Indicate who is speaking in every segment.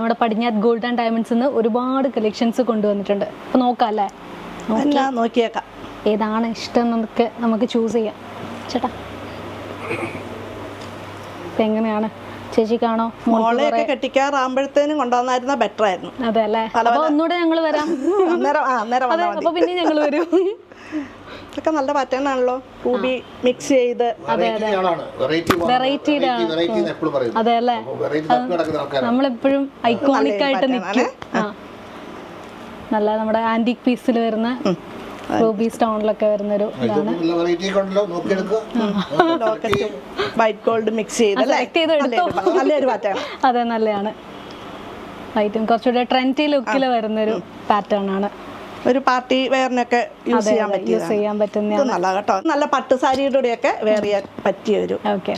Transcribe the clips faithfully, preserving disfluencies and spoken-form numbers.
Speaker 1: നമ്മുടെ പടിഞ്ഞാത്ത് gold and diamonds നിന്ന് ഒരുപാട് കളക്ഷൻസ് കൊണ്ടുവന്നിട്ടുണ്ട്. അപ്പോൾ നോക്കാം അല്ലേ?
Speaker 2: നോക്കിയേക്കാം
Speaker 1: ഏതാണ് ഇഷ്ടം നമുക്ക് നമുക്ക് ചൂസ് ചെയ്യാം. ചേട്ടാ ഇപ്പം എങ്ങനെയാണ് ചേച്ചി കാണോ?
Speaker 2: മോളെയൊക്കെ കെട്ടിക്കാറാകുമ്പോഴത്തേനും കൊണ്ടുവന്നായിരുന്ന ബെറ്റർ ആയിരുന്നു.
Speaker 1: അതെ അല്ലേ? അപ്പോൾ ഒന്നുകൂടെ ഞങ്ങൾ വരാം.
Speaker 2: അന്നേരം ആ അന്നേരം
Speaker 1: അപ്പോൾ പിന്നെ ഞങ്ങൾ വരും.
Speaker 2: ഇതൊക്കെ നല്ല പാറ്റേൺ ആണല്ലോ, റൂബി മിക്സ് ചെയ്ത്.
Speaker 1: അതെ അതെ വെറൈറ്റിയുടെ അതെ അല്ലേ? നമ്മളെപ്പോഴും ഐക്കോണിക് ആയിട്ട് നിൽക്കും. ആ നല്ല നമ്മുടെ ആന്റിക് പീസിൽ വരുന്ന റൂബി സ്റ്റോണിലൊക്കെ വരുന്നൊരു ഇതാണ്.
Speaker 2: വൈറ്റ് ഗോൾഡ് മിക്സ് ചെയ്ത് നല്ലൊരു പാറ്റേൺ.
Speaker 1: അതെ നല്ലതാണ്. വൈറ്റും കുറച്ചുകൂടെ ട്രെൻഡി ലുക്കിൽ വരുന്നൊരു പാറ്റേൺ ആണ്.
Speaker 2: ഒരു പാർട്ടി വെയറിനൊക്കെ യൂസ് ചെയ്യാൻ പറ്റിയ
Speaker 1: യൂസ് ചെയ്യാൻ പറ്റുന്ന
Speaker 2: നല്ല കേട്ടോ. നല്ല പട്ടുസാരിയുടെ കൂടെയൊക്കെ വെയർ ചെയ്യാൻ പറ്റിയ ഒരു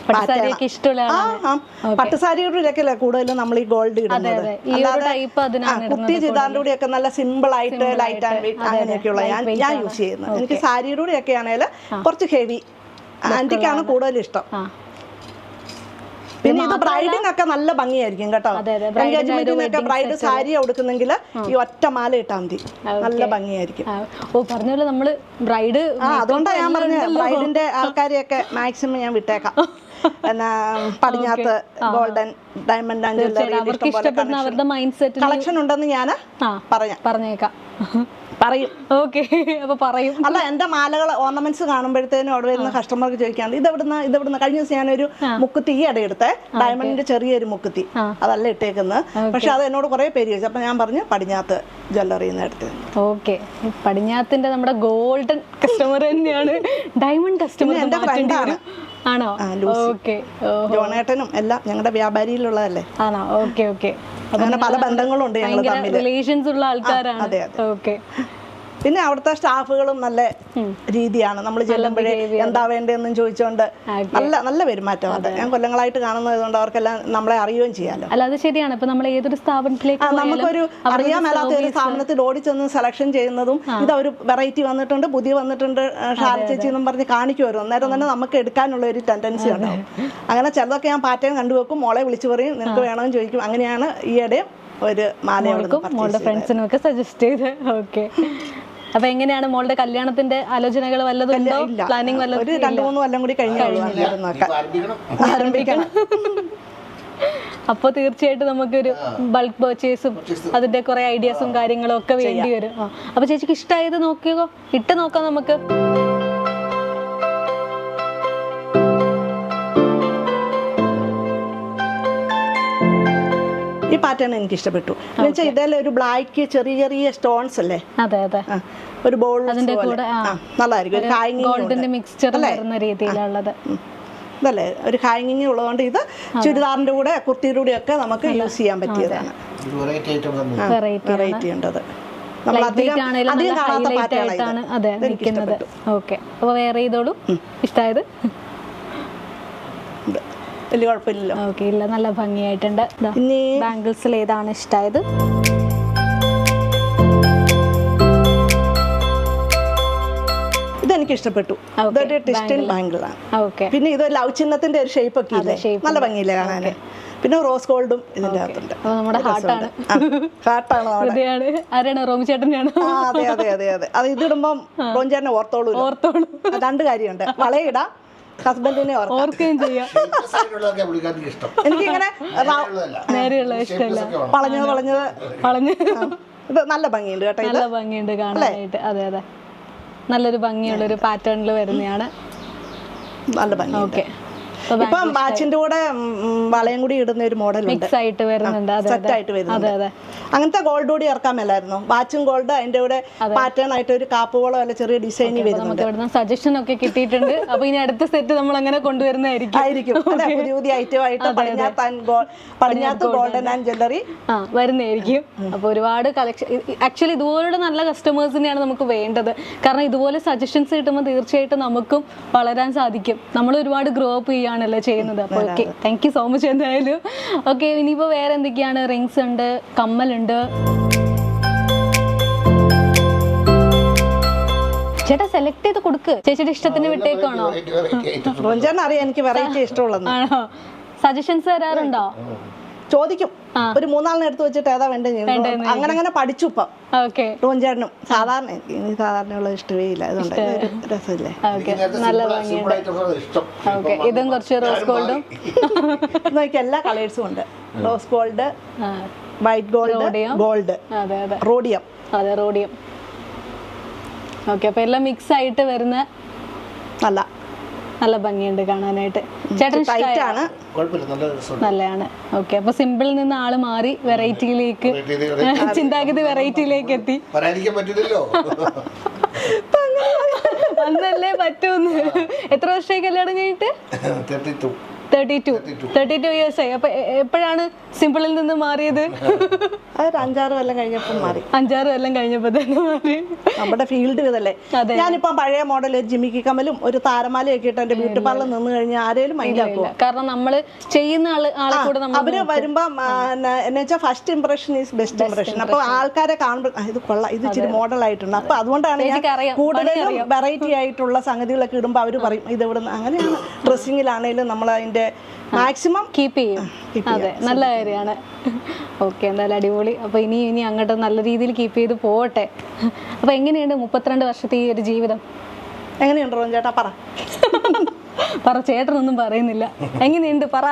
Speaker 2: പട്ടുസാരിയുടെ ഒക്കെ അല്ലേ കൂടുതലും നമ്മൾ ഈ ഗോൾഡ് ഇടുന്നത്. കുത്തി ചിതാറിന്റെ കൂടെയൊക്കെ നല്ല സിമ്പിൾ ആയിട്ട് ലൈറ്റ് ആൻഡ് വെയിറ്റ് അങ്ങനെയൊക്കെയുള്ള ഞാൻ ഞാൻ യൂസ് ചെയ്യുന്നത്. എനിക്ക് സാരിയുടെ കൂടെയൊക്കെ ആണെങ്കിൽ കുറച്ച് ഹെവി ആന്റിക്കാണ് കൂടുതൽ ഇഷ്ടം. പിന്നെ ഇത് ബ്രൈഡിനൊക്കെ നല്ല ഭംഗിയായിരിക്കും കേട്ടോ. എൻഗേജ്മെന്റിനൊക്കെ ബ്രൈഡ് സാരി ഉടുക്കുന്നെങ്കിൽ ഈ ഒറ്റ മാല ഇട്ടാൽ മതി, നല്ല ഭംഗിയായിരിക്കും.
Speaker 1: ഓ പറഞ്ഞ പോലെ നമ്മള് ബ്രൈഡ്
Speaker 2: ആ അതുകൊണ്ടാണ് ഞാൻ പറഞ്ഞത് ബ്രൈഡിന്റെ ആൾക്കാരെയൊക്കെ മാക്സിമം ഞാൻ വിട്ടേക്കാം. പിന്നെ Padinjath golden diamond and jewellery collection ഉണ്ടെന്ന് ഞാൻ പറയാം
Speaker 1: പറഞ്ഞേക്കാം
Speaker 2: പറയും.
Speaker 1: ഓക്കെ അപ്പൊ പറയും.
Speaker 2: അല്ല എന്റെ മാലകൾ ഓർണമെന്റ്സ് കാണുമ്പോഴത്തേനും അവിടെ വരുന്ന കസ്റ്റമർക്ക് ചോദിക്കാണ്ട് ഇതെവിടുന്ന ഇതെവിടുന്ന കഴിഞ്ഞ ദിവസം ഞാനൊരു മുക്കുത്തി ഈ ഇട എടുത്തേ ഡയമണ്ടിന്റെ ചെറിയൊരു മുക്കുത്തി അതല്ല ഇട്ടേക്കുന്നത്. പക്ഷെ അത് എന്നോട് കുറെ പേര് ചോദിച്ചു. അപ്പൊ ഞാൻ പറഞ്ഞു പടിഞ്ഞാത്ത് ജ്വല്ലറി എടുത്തത്.
Speaker 1: ഓക്കെ പടിഞ്ഞാത്തിന്റെ നമ്മുടെ ഗോൾഡൻ കസ്റ്റമർ തന്നെയാണ് ഡയമണ്ട് കസ്റ്റമർ.
Speaker 2: എന്റെ ഫ്രണ്ടാണ്
Speaker 1: ആണോ? ഓക്കെ
Speaker 2: ജോണേട്ടനും എല്ലാം ഞങ്ങളുടെ വ്യാപാരിയിലുള്ളതല്ലേ.
Speaker 1: ആണോ? ഓക്കെ ഓക്കെ
Speaker 2: അങ്ങനെ പല ബന്ധങ്ങളും ഉണ്ട് ഞങ്ങൾ തമ്മിൽ,
Speaker 1: റിലേഷൻസ് ഉള്ള ആൾക്കാരാണ്.
Speaker 2: അതെ
Speaker 1: ഓക്കെ.
Speaker 2: പിന്നെ അവിടുത്തെ സ്റ്റാഫുകളും നല്ല രീതിയാണ്. നമ്മൾ ചെല്ലുമ്പോഴേ എന്താ വേണ്ടതെന്നും ചോദിച്ചോണ്ട് നല്ല നല്ല പെരുമാറ്റമാണ്. ഞാൻ കൊല്ലങ്ങളായിട്ട് കാണുന്നത് കൊണ്ട് അവർക്കെല്ലാം നമ്മളെ അറിയുകയും ചെയ്യാലോ.
Speaker 1: അല്ല അത് ശരിയാണ്. ഇപ്പൊ നമ്മൾ ഏതൊരു സ്ഥാപനത്തിലേക്ക്
Speaker 2: നമുക്കൊരു അറിയാൻ മേലാത്ത ഒരു സ്ഥാപനത്തിൽ ഓടിച്ചെന്ന് സെലക്ഷൻ ചെയ്യുന്നതും ഇതൊരു വെറൈറ്റി വന്നിട്ടുണ്ട് പുതിയ വന്നിട്ടുണ്ട് ഷാര ചേച്ചി എന്നും പറഞ്ഞ് കാണിക്കുമല്ലോ. അന്നേരം തന്നെ നമുക്ക് എടുക്കാനുള്ള ഒരു ടെൻഡൻസി ഉണ്ടാവും. അങ്ങനെ ചിലതൊക്കെ ഞാൻ പാറ്റേൺ കണ്ടുവെക്കും, മോളെ വിളിച്ചു പറയും നിനക്ക് വേണമെന്ന് ചോദിക്കും. അങ്ങനെയാണ് ഈയിടെയും ഒരു മാലയോടും
Speaker 1: മോളുടെ ഫ്രണ്ട്സിനും ഒക്കെ സജസ്റ്റ് ചെയ്ത്. ഓക്കെ അപ്പൊ എങ്ങനെയാണ് മോളുടെ കല്യാണത്തിന്റെ ആലോചനകൾ വല്ലതും ഉണ്ടോ? പ്ലാനിങ് വല്ലതും?
Speaker 2: ഒരു രണ്ടു മൂന്ന് കൊല്ലം കൂടി ആരംഭിക്കണം.
Speaker 1: അപ്പോൾ തീർച്ചയായിട്ടും നമുക്കൊരു ബൾക്ക് പർച്ചേസും അതിന്റെ കുറെ ഐഡിയാസും കാര്യങ്ങളും ഒക്കെ വേണ്ടി വരും. അപ്പൊ ചേച്ചിക്ക് ഇഷ്ടമായത് നോക്കിയോ, ഇട്ട് നോക്കാം നമുക്ക്.
Speaker 2: ഈ പാറ്റേൺ എനിക്ക് ഇഷ്ടപ്പെട്ടു. എന്നുവെച്ചാൽ ഇതേലെ ഒരു ബ്ലാക്ക് ചെറിയ ചെറിയ സ്റ്റോൺസ് അല്ലേ.
Speaker 1: അതെ അതെ
Speaker 2: ഒരു ബോൾ നല്ലതായിരിക്കും. ഒരു
Speaker 1: ഗോൾഡിന്റെ മിക്സ്ചർ വരുന്ന രീതിയിലുള്ളത്
Speaker 2: ഇതല്ലേ ഒരു ഹാങ്ങിങ് ഉള്ളതുകൊണ്ട് ഇത് ചുരിദാറിന്റെ കൂടെ കുർത്തിയുടെ കൂടെ ഒക്കെ നമുക്ക് യൂസ് ചെയ്യാൻ പറ്റിയതാണ്. വെറൈറ്റി ഉണ്ടത് നമ്മൾ അധികം അധികം കാണാത്ത പാറ്റേൺ.
Speaker 1: അതെ നിൽക്കുന്നത്. ഓക്കെ അപ്പൊ വേറെ ചെയ്തോളൂ ഇഷ്ടമായത്.
Speaker 2: വലിയ കുഴപ്പമില്ലല്ലോ.
Speaker 1: ഓക്കെ ഇല്ല നല്ല ഭംഗിയായിട്ടുണ്ട്. ബാംഗിൾസിൽ ഏതാണ് ഇഷ്ടമായത്?
Speaker 2: ഇതെനിക്ക് ഇഷ്ടപ്പെട്ടു. ഇതൊരു ട്വിസ്റ്റഡ് ബാംഗിളാണ്. പിന്നെ ഇത് ലവ് ചിഹ്നത്തിന്റെ ഒരു ഷേപ്പ് ഒക്കെ ഇല്ലേ, നല്ല ഭംഗിയില്ലേ കാണാൻ. പിന്നെ റോസ് ഗോൾഡും ഇതിന്റെ അകത്തുണ്ട്.
Speaker 1: നമ്മുടെ ഹാർട്ടാണ്
Speaker 2: ഹാർട്ടാണ്
Speaker 1: ആരാണ്? റോമി ചേട്ടനെയാണ്.
Speaker 2: അതെ അതെ അതെ അതെ അത് ഇതിടുമ്പം റോമി ചേട്ടനെ ഓർത്തോളൂ ഓർത്തോളൂ രണ്ട് കാര്യമുണ്ട്. വളയിടാം, ഹസ്ബൻഡിനെ
Speaker 1: ഓർക്കുകയും ചെയ്യാം.
Speaker 2: എനിക്കിങ്ങനെ
Speaker 1: നേരെയുള്ള ഇഷ്ടമല്ല,
Speaker 2: വളഞ്ഞത് വളഞ്ഞത് വളഞ്ഞ് ഇത് നല്ല ഭംഗിയുണ്ട് കേട്ടോ.
Speaker 1: നല്ല ഭംഗിയുണ്ട് കാണാനായിട്ട്. അതെ അതെ നല്ലൊരു ഭംഗിയുള്ള ഒരു പാറ്റേണിൽ വരുന്നതാണ്.
Speaker 2: നല്ല ഭംഗി. ഓക്കെ ഇപ്പം വാച്ചിന്റെ കൂടെ വളയും കൂടി ഇടുന്ന ഒരു മോഡൽ
Speaker 1: മിക്സ് ആയിട്ട് വരുന്നുണ്ട്.
Speaker 2: സെറ്റ് ആയിട്ട് വരുന്നുണ്ട്. അങ്ങനത്തെ ഗോൾഡ് കൂടി ഇറക്കാൻ മേലായിരുന്നു. വാച്ചും ഗോൾഡ് അതിന്റെ കൂടെ പാറ്റേൺ ആയിട്ട് ഒരു കാപ്പുകളോ അല്ല ചെറിയ ഡിസൈൻ വരുന്നുണ്ട്.
Speaker 1: സജഷൻ ഒക്കെ കിട്ടിയിട്ടുണ്ട്. അപ്പൊ ഇനി അടുത്ത സെറ്റ് നമ്മൾ അങ്ങനെ കൊണ്ടുവരുന്നതായിരിക്കും
Speaker 2: ആയിരിക്കും പുതിയ പുതിയ ഐറ്റം ആയിട്ട് പടിഞ്ഞാത്ത് ഗോൾഡൻ ആൻഡ് ജ്വല്ലറി
Speaker 1: വരുന്നതായിരിക്കും. അപ്പൊ ഒരുപാട് കളക്ഷൻ. ആക്ച്വലി ഇതുപോലുള്ള നല്ല കസ്റ്റമേഴ്സിനെയാണ് നമുക്ക് വേണ്ടത്. കാരണം ഇതുപോലെ സജഷൻസ് കിട്ടുമ്പോൾ തീർച്ചയായിട്ടും നമുക്കും വളരാൻ സാധിക്കും. നമ്മൾ ഒരുപാട് ഗ്രോ അപ്പ് ചെയ്യാൻ ണല്ലോ ചെയ്യുന്നത്. അപ്പോൾ okay thank you so much എന്തായാലും. ഓക്കെ ഇനിയിപ്പോൾ വേറെ എന്തൊക്കെയാണ്? റിങ്സ് ഉണ്ട്, കമ്മലുണ്ട്. ചേട്ടാ സെലക്ട് ചെയ്ത് കൊടുക്ക്, ചേച്ചിയുടെ ഇഷ്ടത്തിന് വിട്ടേക്കാണോ?
Speaker 2: അറിയാം എനിക്ക് വെറൈറ്റി ഇഷ്ടമുള്ളത്.
Speaker 1: ആണോ? സജഷൻസ് തരാറുണ്ടോ?
Speaker 2: ചോദിക്കും. ഒരു മൂന്നാളിനെ എടുത്ത് വെച്ചിട്ട് ഏതാ വേണ്ട അങ്ങനെ അങ്ങനെ പഠിച്ചു ഇപ്പം
Speaker 1: ഓക്കെ
Speaker 2: റോഞ്ചേട്ടനും. സാധാരണ എനിക്ക് ഇനി സാധാരണയുള്ള ഇഷ്ടമേ ഇല്ല, അതുകൊണ്ട് ഒരു രസമില്ലേ.
Speaker 1: നല്ല ഭംഗിയുണ്ട്. ഓക്കെ, ഇതും കുറച്ച് റോസ് ഗോൾഡും
Speaker 2: നോക്കി എല്ലാ കളേഴ്സും ഉണ്ട്. Rose gold, white gold, gold,
Speaker 1: അതെ അതെ
Speaker 2: റോഡിയം.
Speaker 1: അതെ റോഡിയം. ഓക്കെ, അപ്പൊ എല്ലാം മിക്സ് ആയിട്ട് വരുന്ന
Speaker 2: നല്ല
Speaker 1: നല്ല ഭംഗിയുണ്ട് കാണാനായിട്ട്. ചേട്ടൻ
Speaker 2: ടൈറ്റാണ്,
Speaker 1: നല്ലതാണ്. ഓക്കെ, അപ്പൊ സിമ്പിളിൽ നിന്ന് ആള് മാറി വെറൈറ്റിയിലേക്ക്, ചിന്താഗതി വെറൈറ്റിയിലേക്ക് എത്തി. അന്നല്ലേ പറ്റൂന്ന്. എത്ര വർഷമായി കല്യാണം കഴിഞ്ഞിട്ട്? Thirty two thirty two years ആയി. അപ്പൊ എപ്പോഴാണ് സിമ്പിളിൽ നിന്ന് മാറിയത്?
Speaker 2: അതൊരു അഞ്ചാറ് കൊല്ലം കഴിഞ്ഞപ്പോൾ മാറി.
Speaker 1: അഞ്ചാറ് കൊല്ലം കഴിഞ്ഞപ്പോ തന്നെ മാറി.
Speaker 2: നമ്മുടെ ഫീൽഡ് ഇതല്ലേ. ഞാനിപ്പോ പഴയ മോഡൽ ഒരു ജിമിക്കി കമ്മലും ഒരു താരമാലയൊക്കെ ഇട്ട് എന്റെ ബ്യൂട്ടി പാർലർ നിന്ന് കഴിഞ്ഞാൽ ആരെയും മൈൻഡാക്കുക.
Speaker 1: കാരണം നമ്മള് ചെയ്യുന്ന ആള് ആളെ കൂടെ
Speaker 2: അവര് വരുമ്പോ എന്ന് വെച്ചാൽ first impression is best impression. അപ്പൊ ആൾക്കാരെ കാണുമ്പോൾ ഇത് കൊള്ളാം, ഇത് ഇച്ചിരി മോഡൽ ആയിട്ടുണ്ട്. അപ്പൊ അതുകൊണ്ടാണ് ഞാൻ കൂടുതലും വെറൈറ്റി ആയിട്ടുള്ള സംഗതികളൊക്കെ ഇടുമ്പോ അവര് പറയും ഇത് ഇവിടുന്ന്. അങ്ങനെയാണ് ഡ്രസ്സിങ്ങിലാണേലും നമ്മൾ അതിന്റെ മാക്സിമം
Speaker 1: കീപ്പ് ചെയ്യും. അതെ, നല്ല കാര്യമാണ്. ഓക്കെ, എന്തായാലും അടിപൊളി. അപ്പൊ ഇനി ഇനി അങ്ങോട്ട് നല്ല രീതിയിൽ കീപ്പ് ചെയ്ത് പോവട്ടെ. അപ്പൊ എങ്ങനെയുണ്ട് മുപ്പത്തിരണ്ട് വർഷത്തെ ഈ ഒരു ജീവിതം?
Speaker 2: എങ്ങനെയുണ്ട് റോൻ ചേട്ടാ? പറ
Speaker 1: പറ, ചേട്ടനൊന്നും പറയുന്നില്ല. എങ്ങനെയുണ്ട് പറ.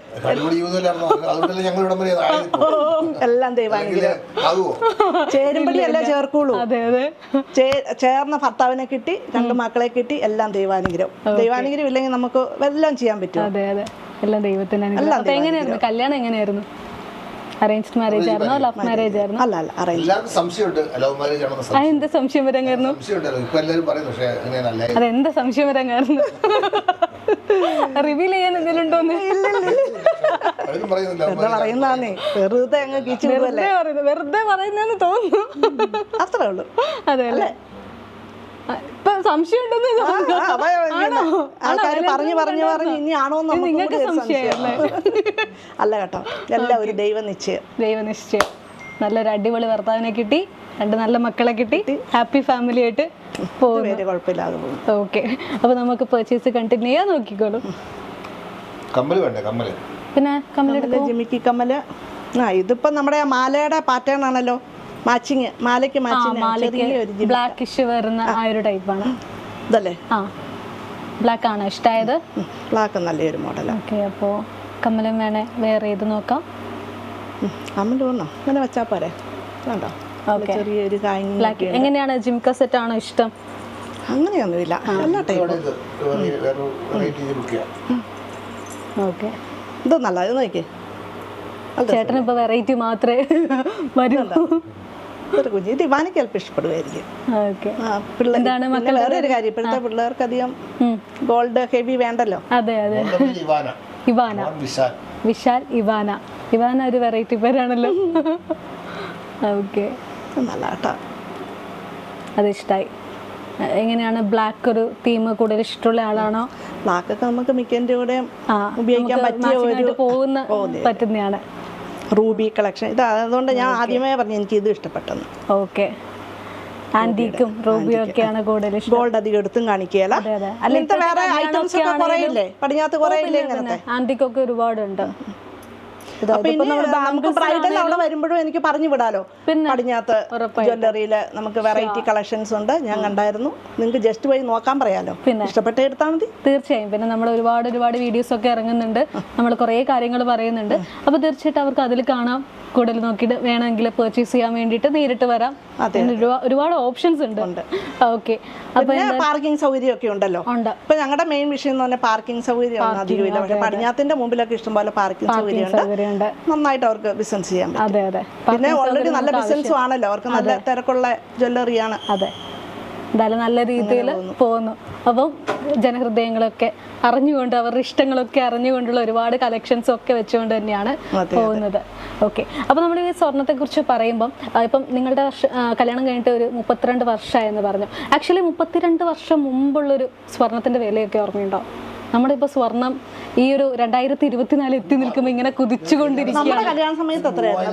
Speaker 2: എല്ലാം ദൈവാനുഗ്രഹം. ചേരുമ്പടി അല്ലേ ചേർക്കുള്ളൂ.
Speaker 1: അതെ അതെ,
Speaker 2: ചേർന്ന ഭർത്താവിനെ കിട്ടി, രണ്ട് മക്കളെ കിട്ടി, എല്ലാം ദൈവാനുഗ്രഹം. ദൈവാനുഗ്രഹം ഇല്ലെങ്കിൽ നമുക്ക് എല്ലാം ചെയ്യാൻ പറ്റും.
Speaker 1: അതെ അതെ, എല്ലാം ദൈവത്തിന് അനുഗ്രഹം. അപ്പൊ എങ്ങനെയായിരുന്നു കല്യാണം? എങ്ങനെയായിരുന്നു? അറേഞ്ച്ഡ് മാരേജ് ആയിരുന്നോ ലവ് മാരേജ് ആയിരുന്നോ?
Speaker 2: അല്ല അല്ല, അറേഞ്ച്.
Speaker 1: അതെന്താ സംശയം വരാങ്ങായിരുന്നു? അതെന്താ സംശയം വരാങ്ങായിരുന്നു? റിവീൽ ചെയ്യാൻ എന്തെങ്കിലും ഉണ്ടോന്ന്?
Speaker 2: പറയുന്നേ വെറുതെ അങ്ങ്
Speaker 1: വെറുതെ പറയുന്നെന്ന് തോന്നുന്നു.
Speaker 2: അത്രേ ഉള്ളൂ.
Speaker 1: അതെ അല്ലേ? ഇപ്പൊ സംശയം ഉണ്ടെന്ന്
Speaker 2: ആൾക്കാർ പറഞ്ഞു പറഞ്ഞു പറഞ്ഞു ഇനി ആണോന്ന്
Speaker 1: നിങ്ങൾക്ക് സംശയമല്ലേ?
Speaker 2: അല്ല കേട്ടോ, എല്ലാം ഒരു ദൈവനിശ്ചയം.
Speaker 1: ദൈവനിശ്ചയം. നല്ലൊരു അടിപൊളി ഭർത്താവിനെ കിട്ടി, രണ്ട് നല്ല മക്കളെ കിട്ടി, ഹാപ്പി ഫാമിലി ആയിട്ട് പോകുന്നു.
Speaker 2: കുഴപ്പമില്ലാതെ പോകും.
Speaker 1: ഓക്കെ, അപ്പൊ നമുക്ക് പർച്ചേസ് കണ്ടിന്യൂ ചെയ്യാൻ നോക്കിക്കോളൂ.
Speaker 3: കമ്മല് വേണ്ടേ? കമ്മല്
Speaker 1: പിന്നെ കമ്മല്,
Speaker 2: ജിമിക്കി കമ്മല്. ആ ഇതിപ്പോ നമ്മുടെ മാലയുടെ പാറ്റേൺ ആണല്ലോ, മാച്ചിങ്. മാലയ്ക്ക് മാച്ചിങ്
Speaker 1: ബ്ലാക്കിഷ് വരുന്ന ആ ഒരു ടൈപ്പാണ്
Speaker 2: ഇതല്ലേ?
Speaker 1: ആ, ബ്ലാക്ക് ആണ് ഇഷ്ടമായത്.
Speaker 2: ബ്ലാക്ക് നല്ലൊരു മോഡലാണ്.
Speaker 1: ഓക്കെ, അപ്പോൾ കമ്മലും വേണേ വേറെ ചെയ്ത് നോക്കാം.
Speaker 2: കമ്മൽ വേണോ? അങ്ങനെ വെച്ചാൽ പോരെ? വേണ്ടോ? ചെറിയൊരു
Speaker 1: ബ്ലാക്ക്. എങ്ങനെയാണ് ജിംക സെറ്റ് ആണോ ഇഷ്ടം?
Speaker 2: അങ്ങനെയൊന്നുമില്ല, എല്ലാ ടൈപ്പും.
Speaker 1: ഓക്കെ,
Speaker 2: ഇത് നല്ല. ഇത് നോക്കിയേ,
Speaker 1: ചേട്ടൻ ഇപ്പൊ വെറൈറ്റി മാത്രമേ വരുന്നുള്ളൂ.
Speaker 2: ഒരു കുഞ്ഞ് ദിവാനിക്ക് ചിലപ്പോൾ ഇഷ്ടപ്പെടുമായിരിക്കും.
Speaker 1: എന്താണ് മക്കൾ?
Speaker 2: വേറെ ഒരു കാര്യം, ഇപ്പോഴത്തെ പിള്ളേർക്ക് അധികം ഗോൾഡ് ഹെവി വേണ്ടല്ലോ.
Speaker 1: അതെ അതെ, ഇവാന, വിശാൽ, ഇവാന. ഇവാന ഒരു വെറൈറ്റി പേരാണല്ലോ. ഓക്കെ,
Speaker 2: നല്ല കേട്ടോ,
Speaker 1: അത് ഇഷ്ടമായി. എങ്ങനെയാണ് ബ്ലാക്ക് ഒരു തീം കൂടുതൽ ഇഷ്ടമുള്ള ആളാണോ?
Speaker 2: ബ്ലാക്ക് ഒക്കെ നമുക്ക് മിക്കൻ്റെ കൂടെ ഉപയോഗിക്കാൻ പറ്റിയ ഒരു
Speaker 1: പോകുന്ന പറ്റുന്നതാണ്.
Speaker 2: റൂബി കളക്ഷൻ ഇത്. അതുകൊണ്ട് ഞാൻ ആദ്യമേ പറഞ്ഞു എനിക്ക് ഇത് ഇഷ്ടപ്പെട്ടെന്ന്.
Speaker 1: ഓക്കെ, ആന്റിക്കും റൂബിയും ഒക്കെയാണ് കൂടുതൽ ഇഷ്ടം.
Speaker 2: ഗോൾഡ് അധികം എടുത്തും കാണിക്കുകയല്ല. അങ്ങനത്തെ വേറെ ഐറ്റംസ് ഒക്കെ കുറേ ഇല്ലേ, പടിഞ്ഞാത്ത് കുറേ ഇല്ലേ ഇങ്ങനത്തെ.
Speaker 1: ആന്റിക്കൊക്കെ ഒരുപാടുണ്ട്.
Speaker 2: നമുക്ക് ബ്രൈഡൽ അവിടെ വരുമ്പോഴും എനിക്ക് പറഞ്ഞു വിടാലോ. പടിഞ്ഞാത്ത് ജ്വല്ലറിയില് നമുക്ക് വെറൈറ്റി കളക്ഷൻസ് ഉണ്ട്, ഞാൻ കണ്ടായിരുന്നു. നിങ്ങൾക്ക് ജസ്റ്റ് പോയി നോക്കാൻ പറയാലോ, പിന്നെ ഇഷ്ടപ്പെട്ട എടുത്താൽ മതി.
Speaker 1: തീർച്ചയായും. പിന്നെ നമ്മൾ ഒരുപാട് ഒരുപാട് വീഡിയോസ് ഒക്കെ ഇറങ്ങുന്നുണ്ട്, നമ്മൾ കുറേ കാര്യങ്ങൾ പറയുന്നുണ്ട്. അപ്പൊ തീർച്ചയായിട്ടും അവർക്ക് അതിൽ കാണാം, കൂടുതൽ നോക്കിയിട്ട് വേണമെങ്കിൽ പർച്ചേസ് ചെയ്യാൻ വേണ്ടിയിട്ട് നേരിട്ട് വരാം. ഒരുപാട് ഓപ്ഷൻസ് ഉണ്ട്. ഓക്കെ, അപ്പൊ
Speaker 2: പാർക്കിംഗ് സൗകര്യം ഒക്കെ ഉണ്ടല്ലോ. ഇപ്പൊ ഞങ്ങളുടെ മെയിൻ വിഷയം എന്ന് പറഞ്ഞാൽ പാർക്കിംഗ് സൗകര്യം ഒന്നും അധികമില്ല. പക്ഷെ പടിഞ്ഞാത്തിന്റെ മുമ്പിലൊക്കെ ഇഷ്ടംപോലെ പാർക്കിംഗ് സൗകര്യം ഉണ്ട്. നന്നായിട്ട് അവർക്ക് ബിസിനസ് ചെയ്യാൻ പറ്റും.
Speaker 1: അതെ അതെ,
Speaker 2: പിന്നെ ഓൾറെഡി നല്ല ബിസിനസ്സും ആണല്ലോ, അവർക്ക് നല്ല തിരക്കുള്ള ജ്വല്ലറിയാണ്.
Speaker 1: അതെ, എന്തായാലും നല്ല രീതിയിൽ പോകുന്നു. അപ്പം ജനഹൃദയങ്ങളൊക്കെ അറിഞ്ഞുകൊണ്ട് അവരുടെ ഇഷ്ടങ്ങളൊക്കെ അറിഞ്ഞുകൊണ്ടുള്ള ഒരുപാട് കളക്ഷൻസ് ഒക്കെ വെച്ചുകൊണ്ട് തന്നെയാണ് പോകുന്നത്. ഓക്കെ, അപ്പോൾ നമ്മൾ ഈ സ്വർണ്ണത്തെ കുറിച്ച് പറയുമ്പം ഇപ്പം നിങ്ങളുടെ കല്യാണം കഴിഞ്ഞിട്ട് ഒരു മുപ്പത്തിരണ്ട് വർഷമായെന്ന് പറഞ്ഞു. ആക്ച്വലി മുപ്പത്തിരണ്ട് വർഷം മുമ്പുള്ളൊരു സ്വർണത്തിന്റെ വിലയൊക്കെ ഓർമ്മയുണ്ടോ? നമ്മുടെ ഇപ്പൊ സ്വർണം ഈ ഒരു രണ്ടായിരത്തി ഇരുപത്തിനാല് എത്തി നിൽക്കുമ്പോ ഇങ്ങനെ കുതിച്ചുകൊണ്ടിരിക്കുകയാണ്.
Speaker 2: കല്യാണ സമയത്ത്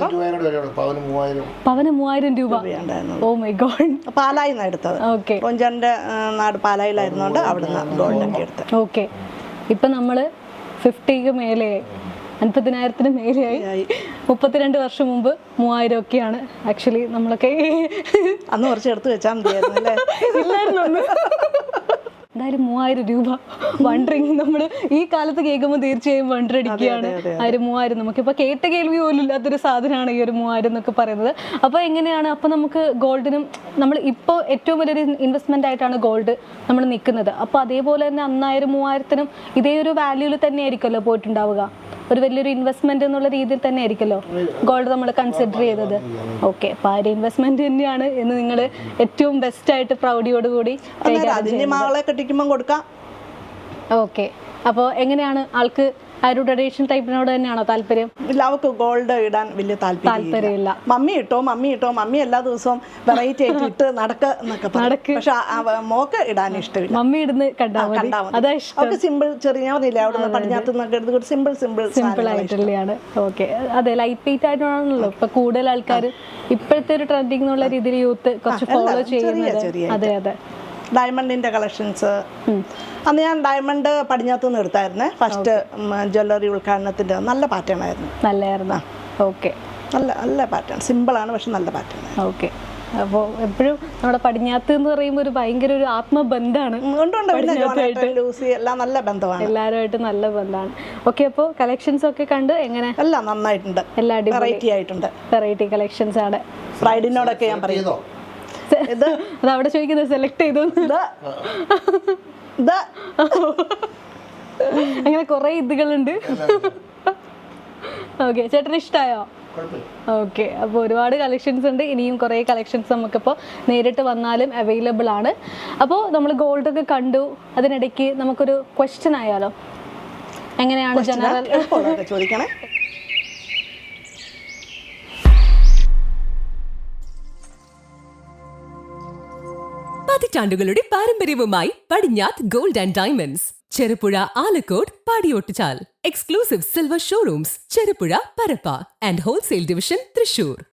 Speaker 1: പവന് മൂവായിരം രൂപ. Oh my God.
Speaker 2: പാലായിന്ന് എടുത്തത്.
Speaker 1: ഓക്കെ,
Speaker 2: കൊഞ്ചന്റെ നാട് പാലായിലായിരുന്നോണ്ട് അവിടുന്ന് ഗോൾഡൊക്കെ എടുത്തത്.
Speaker 1: ഓക്കെ, ഇപ്പൊ നമ്മള് ഫിഫ്റ്റിക്ക് മേലെയായി, അൻപതിനായിരത്തിന് മേലെയായി. മുപ്പത്തിരണ്ട് വർഷം മുമ്പ് മൂവായിരം ഒക്കെയാണ് ആക്ച്വലി നമ്മളൊക്കെ
Speaker 2: അന്ന് കുറച്ച് എടുത്ത് വെച്ചാൽ മതിയായിരുന്നു അല്ലേ?
Speaker 1: ഇല്ലായിരുന്നു അന്ന്. എന്തായാലും മൂവായിരം രൂപ വണ്ടറിങ് നമ്മൾ ഈ കാലത്ത് കേൾക്കുമ്പോൾ തീർച്ചയായും വണ്ടർ അടിക്കുകയാണ്. ആ ഒരു മൂവായിരം നമുക്കിപ്പോൾ കേട്ട കേൾവി പോലും ഇല്ലാത്തൊരു സാധനമാണ് ഈ ഒരു മൂവായിരം എന്നൊക്കെ പറയുന്നത്. അപ്പോൾ എങ്ങനെയാണ് അപ്പോൾ നമുക്ക് ഗോൾഡിനും നമ്മൾ ഇപ്പോൾ ഏറ്റവും വലിയൊരു ഇൻവെസ്റ്റ്മെൻ്റ് ആയിട്ടാണ് ഗോൾഡ് നമ്മൾ നിൽക്കുന്നത്. അപ്പോൾ അതേപോലെ തന്നെ അന്നായിരം മൂവായിരത്തിനും ഇതേ ഒരു വാല്യൂവിൽ തന്നെ ആയിരിക്കുമല്ലോ പോയിട്ടുണ്ടാവുക. ഒരു വലിയൊരു ഇൻവെസ്റ്റ്മെന്റ് എന്നുള്ള രീതിയിൽ തന്നെ ആയിരിക്കുമല്ലോ ഗോൾഡ് നമ്മൾ കൺസിഡർ ചെയ്തത്. ഓക്കെ, അപ്പോൾ ആ ഒരു ഇൻവെസ്റ്റ്മെന്റ് തന്നെയാണ് എന്ന് നിങ്ങൾ ഏറ്റവും ബെസ്റ്റ് ആയിട്ട് പ്രൗഡിയോടുകൂടി
Speaker 2: മകളെ കെട്ടിക്കുമ്പോൾ കൊടുക്കാം.
Speaker 1: ഓക്കെ, അപ്പോൾ എങ്ങനെയാണ് ആൾക്ക് ആ ഒരു ട്രഡീഷണൽ ടൈപ്പിനോട് തന്നെയാണോ താല്പര്യം?
Speaker 2: ഇല്ല, അവൾക്ക് ഗോൾഡ് ഇടാൻ വലിയ താല്പര്യമില്ല. മമ്മി ഇട്ടോ മമ്മി ഇട്ടോ മമ്മി എല്ലാ ദിവസവും വെറൈറ്റി ആയിട്ട് ഇട്ട് നടക്ക എന്നൊക്കെ നടക്ക്. പക്ഷെ മോക്ക് ഇടാൻ ഇഷ്ടമില്ല.
Speaker 1: മമ്മി ഇടുന്ന് കണ്ടാ മതി. അതാ ഇഷ്ടം.
Speaker 2: അവർക്ക് സിമ്പിൾ ചെറിയ പറഞ്ഞില്ല അവിടെ പടിഞ്ഞാത്ത് നിന്നൊക്കെ എടുത്ത് സിമ്പിൾ സിമ്പിൾ
Speaker 1: സിമ്പിൾ ആയിട്ടുള്ളതാണ്. ഓക്കെ, അതെ, ലൈറ്റ് വെയിറ്റ് ആയിട്ടാണല്ലോ ഇപ്പൊ കൂടുതൽ ആൾക്കാർ ഇപ്പോഴത്തെ ഒരു ട്രെൻഡിങ് എന്നുള്ള രീതിയിൽ യൂത്ത് കുറച്ച് ഫോളോ ചെയ്യുന്നത്. അതെ അതെ.
Speaker 2: ഡയമണ്ടിന്റെ കളക്ഷൻസ് അന്ന് ഞാൻ ഡയമണ്ട് പടിഞ്ഞാത്തു നിന്ന് എടുത്തായിരുന്നേ ഫസ്റ്റ് ജ്വല്ലറി ഉദ്ഘാടനത്തിന്റെ. നല്ല പാറ്റേൺ ആയിരുന്നു.
Speaker 1: നല്ലായിരുന്നു. ഓക്കെ,
Speaker 2: നല്ല നല്ല പാറ്റേൺ, സിമ്പിളാണ് പക്ഷെ നല്ല പാറ്റേൺ.
Speaker 1: ഓക്കെ, അപ്പോൾ എപ്പോഴും നമ്മുടെ പടിഞ്ഞാത്ത് എന്ന് പറയുമ്പോൾ ഒരു ഭയങ്കര ഒരു ആത്മബന്ധമാണ്.
Speaker 2: ലൂസി എല്ലാം നല്ല ബന്ധമാണ്,
Speaker 1: എല്ലാവരുമായിട്ട് നല്ല ബന്ധമാണ്. ഓക്കെ, അപ്പോൾ കളക്ഷൻസ് ഒക്കെ കണ്ട് എങ്ങനെ?
Speaker 2: എല്ലാം നന്നായിട്ടുണ്ട്,
Speaker 1: എല്ലാ
Speaker 2: വെറൈറ്റി ആയിട്ടുണ്ട്.
Speaker 1: വെറൈറ്റി കളക്ഷൻസ് ആണ്.
Speaker 2: ബ്രൈഡിനോടൊക്കെ ഞാൻ പറയുന്നു
Speaker 1: അത് അവിടെ ചോദിക്കുന്നത് സെലക്ട് ചെയ്തു. അങ്ങനെ കുറെ ഇതുകളുണ്ട്. ഓക്കെ, ചേട്ടന് ഇഷ്ടമായോ? ഓക്കെ, അപ്പോൾ ഒരുപാട് കളക്ഷൻസ് ഉണ്ട്. ഇനിയും കുറേ കളക്ഷൻസ് നമുക്കിപ്പോൾ നേരിട്ട് വന്നാലും അവൈലബിൾ ആണ്. അപ്പോൾ നമ്മൾ ഗോൾഡ് ഒക്കെ കണ്ടു. അതിനിടയ്ക്ക് നമുക്കൊരു ക്വസ്റ്റ്യൻ ആയാലോ? എങ്ങനെയാണ് ജനറൽ
Speaker 2: ചോദിക്കണേ?
Speaker 4: പതിറ്റാണ്ടുകളുടെ പാരമ്പര്യവുമായി Padinjath gold and diamonds, Cherupuzha, Alakode, Padiyottuchal. Exclusive silver showrooms Cherupuzha, Parappa and wholesale division Thrissur.